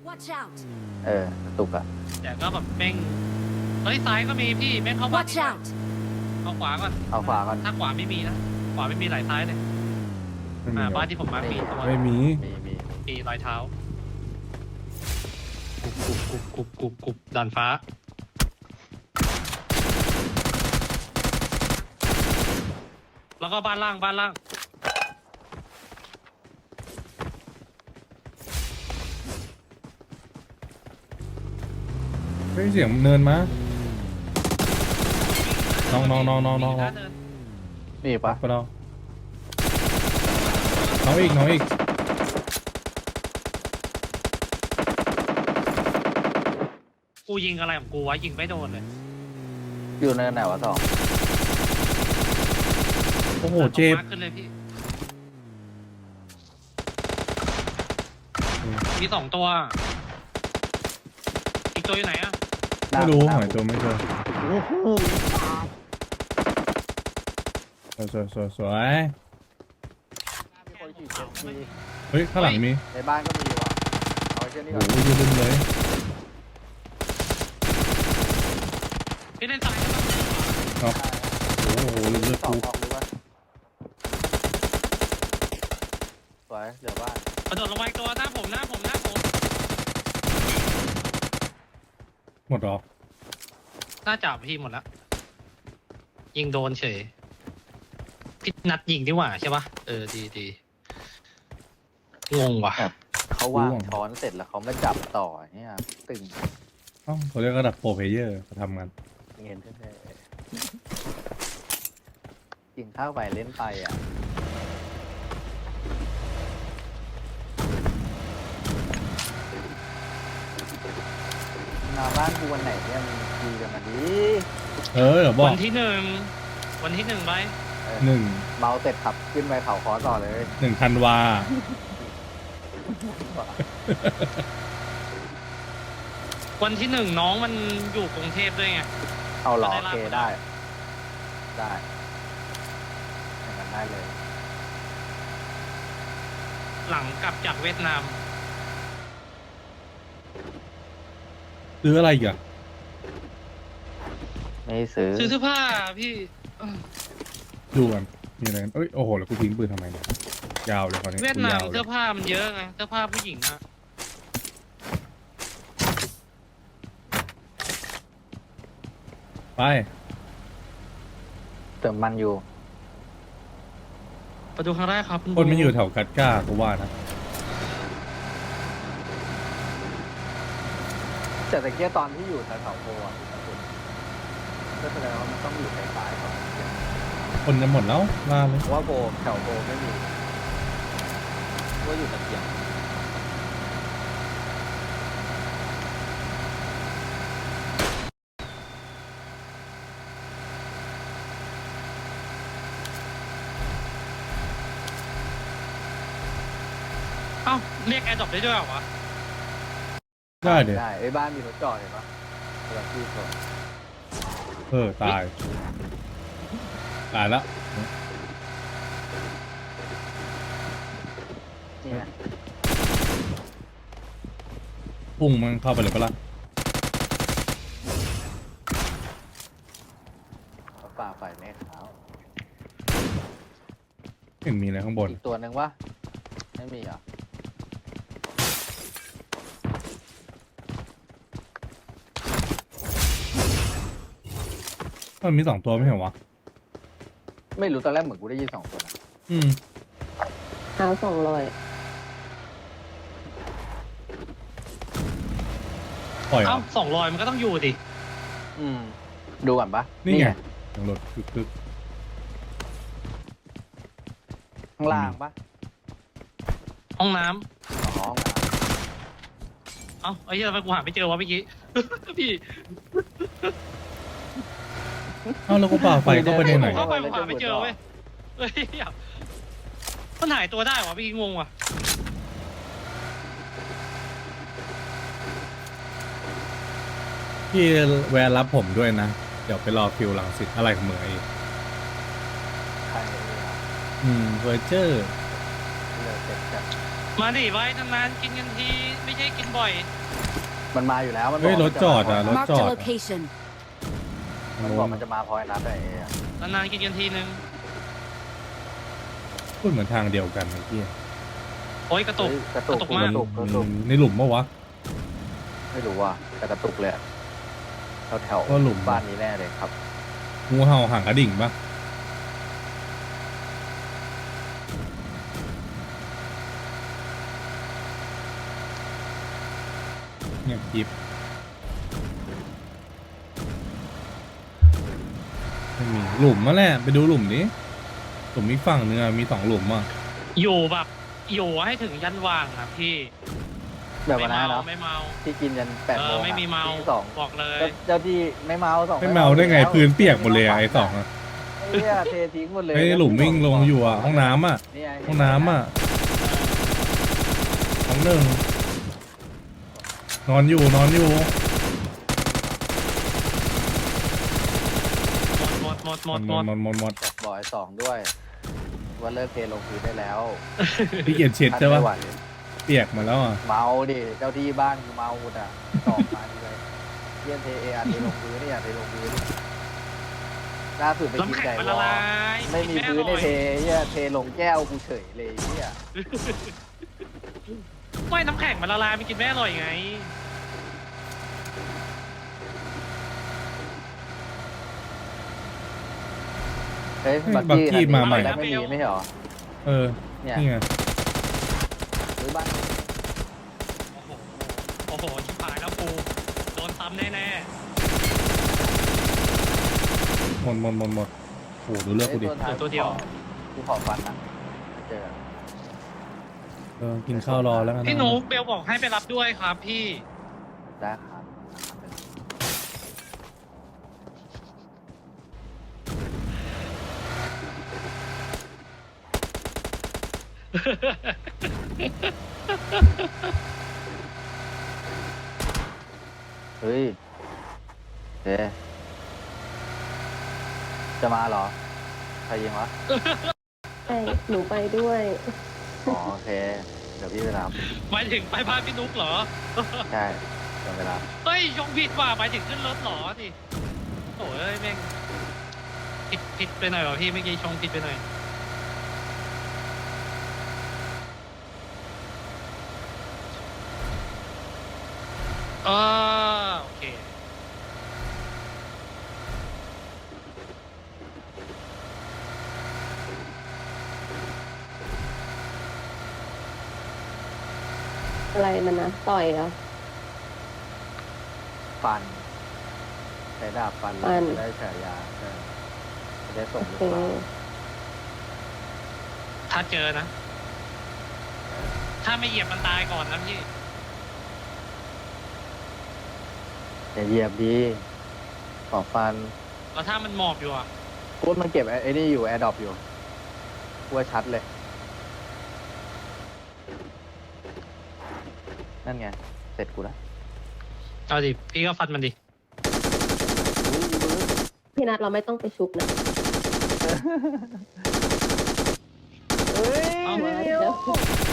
Watch out! กระตุกอะแต่ก็แบบแม่งเฮ้ยซ้ายก็มีพี่แม่งเข้าบ้าน Watch นี่ out! เอาขวาก่อนเอาขวาก่อนถ้าขวาไม่มีนะขวาไม่มีหลายซ้ายเลยไม่มีหรบ้าอนที่ผมมามีตัวไม่มีมีมีรอยเท้ากุบด่านฟ้าแล้วก็บ้านล่างเฮ้ยเสียงเนินมา น้องมีนะเนินมีปะไปเราน้องอีกกูยิงอะไรของกูวะยิงไม่โดนเลยอยู่เนินไหนวะสองโอ้โหเจ็บมากขึ้นเลยพี่มี2 ตัว อีกตัวอยู่ไหนอะไม่รู้หน้าหายตัวไม่เจอโอ้โหสวยมีคนขี่เจ็ตสกีเฮ้ยข้างหลังมีในบ้านก็มีว่ะเอาไว้เช่นนี้โอ้ก่อนโหยืนเลยพี่เล่นซ้ายได้ปะเนาะโอ้โหลืมสอกูงออกหรือว่าสวยเหลือบ้านกระโดดลงไปอีกตัวหน้าผมหมดหรอหน้าจับพี่หมดแล้วยิงโดนเฉยพี่นัดยิงดีกว่าใช่ปะดีงงว่ะเขาวางช้อนเสร็จแล้วเขามาจับต่อเนี่ยตึงเอ้าเขาเรียกระดับโปรเพลเยอร์เขาทำงานเงินแท้ๆกินข้าวไปเล่นไปอ่ะมาบ้านกูวันไหนเนี่ยมึงคุยกันมาดิเดี๋ยวบอกวันที่หนึ่งไปหนึ่งเมาเสร็จขับขึ้นไปเขาคอต่อเลยธันวาวันที่ 1น้องมันอยู่กรุงเทพด้วยไงเอาเหรอได้โอลากเคมาได้อย่างนั้นได้เลยหลังกลับจากเวียดนามซื้ออะไรอีกอะไม่ซื้อซื้อเสื้อผ้าพี่ดูกันมีอะไรกันเอ้ยโอ้โหแล้วกูทิ้งปืนทำไมเนี่ยยาวเลยคราวนี้เวียดกูนามยาวเลเสื้อย ผ้ามันเยอะไงเสื้อผ้าผู้หญิงอะไปเติมมันอยู่ประตูครั้งแรกครับคนไม่อยู่แถวกัดก้ากูว่านะแต่ตะเกียตอนที่อยู่แถวๆโพอ่ะก็แสดงว่ามันต้องอยู่สายๆก่อนคนจะหมดแล้วมาเลยเพราะว่าโพแถวโพไม่มีว่าอยู่ตะเกียงเอ้าเรียกแอร์ดรอปได้ด้วยเหรอวะได้เดี๋ยวได้ไอ้บ้านมีรถจอดเห็นปะเวลาที่คนตายแล้วนี่ไงพุ่งมันเข้าไปเลยปะล่ะเขาฝ่าไฟแม่ขาวเห็นมีอะไรข้างบนอีกตัวหนึ่งวะไม่มีเหรอ่ะมันมี2 ตัวไม่ใช่เหรอวะไม่รู้ตอนแรกเหมือนกูได้ยิน2 ตัวนะอืมเอา200 ปล่อยเหรเอ้าอ 200มันก็ต้องอยู่ดิดูก่อนปะนี่ไงยังรถคึกข้างล่างปะห้องน้ำอ๋อเอ้าไอ้เหี้ยทำไมกูหาไม่เจอวะเมื่อกี้ พี่ๆเอ้าแล้วกูป่าไฟเข้าไปในไหนเข้าไปกูหาไม่เจอเว้ยเฮ้ยมันหายตัวได้วะพี่งงว่ะพี่แวะรับผมด้วยนะ เดี๋ยวไปรอคิวหลังสิทธิ์อะไรของมึงไอ้ใครเลยอ่ะเวอร์เจอร์เลยเสร็จจากมาดิไว้นานๆกินกันทีไม่ใช่กินบ่อยมันมาอยู่แล้วมันบเฮ้อย กรถจอดอ่ะรถ Marked จ a อดอะ location. มันบอกมันจะมาพอยนัดไอ้อะนานๆกินกันทีนึงพูดเหมือนทางเดียวกันไอ้เหี้ยโอ้ยกระตุกเฮ้ยกระตุกกระตุกกมากระตุกกระตุกในหลุมปะวะไม่รู้ว่าแต่กระตุกเลยอะแถวก็หลุมบ้านนี้แน่เลยครับงูเห่าห่างกระดิ่งปะเงียบกริบไม่มีหลุมมาแหละไปดูหลุมดิหลุมอีกฝั่งนึงอะมี2 หลุมอ่ะอยู่แบบอยู่ให้ถึงยันว่างครับพี่แบบวันนั้นเนาะไม่เมาที่กินยัน8 โมงไม่มีเมาที่สองบอกเลยเจ้าที่ไม่เมา2 ไม่เมาได้ไงพื้นเปียกหมดเลยอะไอ้สองอะไอ้เนี่ยเททิ้งหมดเลยไอ้หลุมวิ่งลงอยู่อะห้องน้ำอะนี่ไห้องน้ำอะห้องหนึ่งนอนอยู่หมดหมดหมดบอกไอ้สองด้วยว่าเลิกเทลงพื้นได้แล้วพี่เกียรติเช็ดใช่ปะไม่ไหวเปียกมาแล้วอ่ะเมาดิเจ้าที่บ้านกูเมาหมดอ่ะตอกมาดีเลยเทียนเทเออาร์เทลงพื้นนี่อ่ะเทลงพื้นล่าสุดไปกินน้ำแข็งไก่มันวละอลายไม่มีพื้นในเทเนี่ยเทลงแก้วกูเฉยเลยเนี่ยไม่น้ำแข็งมันละลายมันกินไม่อร่อยไงเฮ้ยบักกี้มาใหม่แล้วไม่มีไม่ใช่หรอเออเนี่ยนี่ไงหรือบ้านโอ้โหชิบหายแล้วกูโดนซ้ำแน่หมดโอ้โหดูเลือกกูดิท้ายกูขอฟันนะเจอเออกินข้าวรอแล้วกันๆนะพี่หนูเบลบอกให้ไปรับด้วยครับพี่ได้ครับ เฮ้ยเจ๊จะมาเหรอ ใครยิงวะใช่หนูไปด้วยอ๋อโอเค เดี๋ยวพี่ไปรับหมายถึงไปบ้านพี่นุ๊กเหรอใช่เดี๋ยวไปรับเฮ้ยชงผิดว่ะหมายถึงขึ้นรถเหรอสิโอ้ยแม่งผิดไปหน่อยวะพี่เมื่อกี้ชงผิดไปหน่อยโอเคอะไรมันนะต่อยเหรอฟันใช้ดาบฟันฟันจะได้ฉายาใช่จะได้ส่งโอลูกเคปลาถ้าเจอนะ ถ้าไม่เหยียบมันตายก่อนนะพี่อย่าเหยียบดีขอฟันแล้วถ้ามันหมอบอยู่อ่ะพูดมันเก็บไอ้นี่อยู่แอร์ดรอปอยู่กลัวชัดเลย นั่นไง เสร็จกูแล้วเอาดิ พี่ก็ฟันมันดิอุ้ยมือพี่นัทเราไม่ต้องไปชุบนะเฮ้ยเอาเร็ว